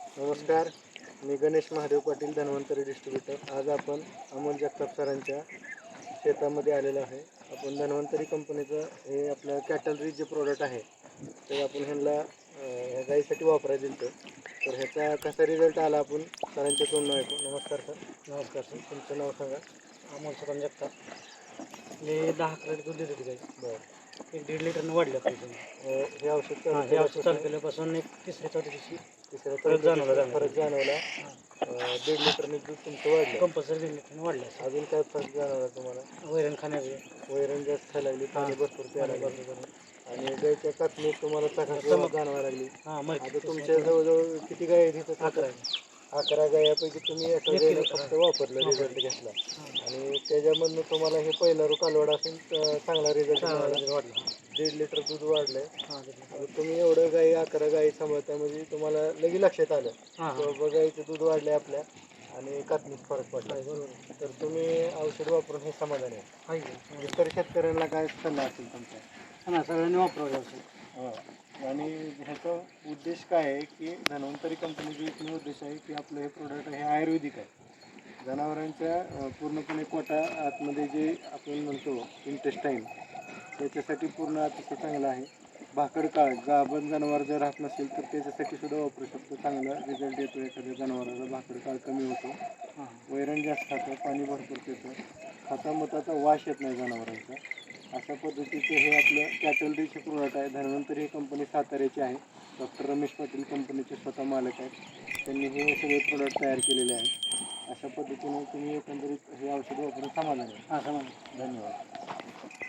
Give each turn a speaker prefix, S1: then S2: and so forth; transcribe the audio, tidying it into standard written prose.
S1: नमस्कार, मी गणेश महादेव पाटील, धन्वंतरी डिस्ट्रीब्युटर. आज आपण अमोल जगताप सरांच्या शेतामध्ये आलेलो आहे. आपण धन्वंतरी कंपनीचं हे आपलं कॅटल रिच जे प्रोडक्ट आहे ते आपण ह्यांना ह्या गाईसाठी वापरायला दिलं तर ह्याचा कसा रिझल्ट आला आपण सरांच्या तोंडून ऐकू. नमस्कार सर.
S2: नमस्कार सर.
S1: तुमचं नाव सांगा.
S2: अमोल सुदाम जगताप. मी 10 लिटर दूध देत होती गाई.
S1: बरं.
S2: 1-1.5 लिटरनं वाढलं पाहिजे.
S1: हे औषध
S2: हे औषध चालू केल्यापासून एक तिसऱ्या-चौथ्या दिवशी
S1: तिसऱ्या
S2: फरक जाणवला.
S1: फरक जाणवला. 1.5 लिटरने दूध तुमचं वाढलं.
S2: कंपल्सरी 1.5 लिटरनं वाढलं.
S1: अजून काय फरक जाणवला तुम्हाला?
S2: वैरण खाण्याचं
S1: वैरण जास्त खायला लागली, पाणी भरपूर प्यायला लागलं आणि गायच्या कातणीत तुम्हाला चकाकी जाणवायला लागली. आता तुमच्या जवळजवळ किती गाय आहेत इथं? 11 गायापैकी तुम्ही एका गायला फक्त वापरलं, रिझल्ट घेतला आणि त्याच्यामधनं तुम्हाला हे पहिला कालवड असून चांगला रिझल्ट मिळाला. 1.5 लिटर दूध वाढलंय. आता तुम्ही एवढं गाई 11 गाई सांभाळता म्हणजे तुम्हाला लगेच लक्षात आलं की बाबा गाईचं दूध वाढलंय आपल्या आणि कातणीत फरक पडला. तर तुम्ही औषध वापरून हे समाधान आहे. इतर शेतकऱ्यांना काय सल्ला असेल तुमचा?
S2: सगळ्यांनी वापरावं औषध.
S1: हो. आणि ह्याचा उद्देश काय आहे की धन्वंतरी कंपनीचा एकमेव उद्देश आहे की आपलं हे प्रोडक्ट हे आयुर्वेदिक आहे. जनावरांच्या पूर्णपणे पोटा आतमध्ये जे आपण म्हणतो इंटेस्टाईन त्याच्यासाठी पूर्ण अतिशय चांगलं आहे. भाकड काळ गाभण जनावर जर राहत नसेल तर त्याच्यासाठी सुद्धा वापरू शकतो. चांगला रिझल्ट येतो. एखाद्या जनावराचा भाकड काळ कमी होतो. वैरण जास्त खातं, पाणी भरपूर पितं, खतामताचा वास येत नाही जनावरांचा. अशा पद्धतीचं हे आपलं कॅटल रिच प्रोडक्ट आहे. धन्वंतरी ही कंपनी साताऱ्याची आहे. डॉक्टर रमेश पाटील कंपनीचे स्वतः मालक आहेत. त्यांनी हे सगळे प्रोडक्ट तयार केलेले आहेत. अशा पद्धतीने तुम्ही एकंदरीत हे औषध वापरून समाधान आहे.
S2: समाधान.
S1: धन्यवाद.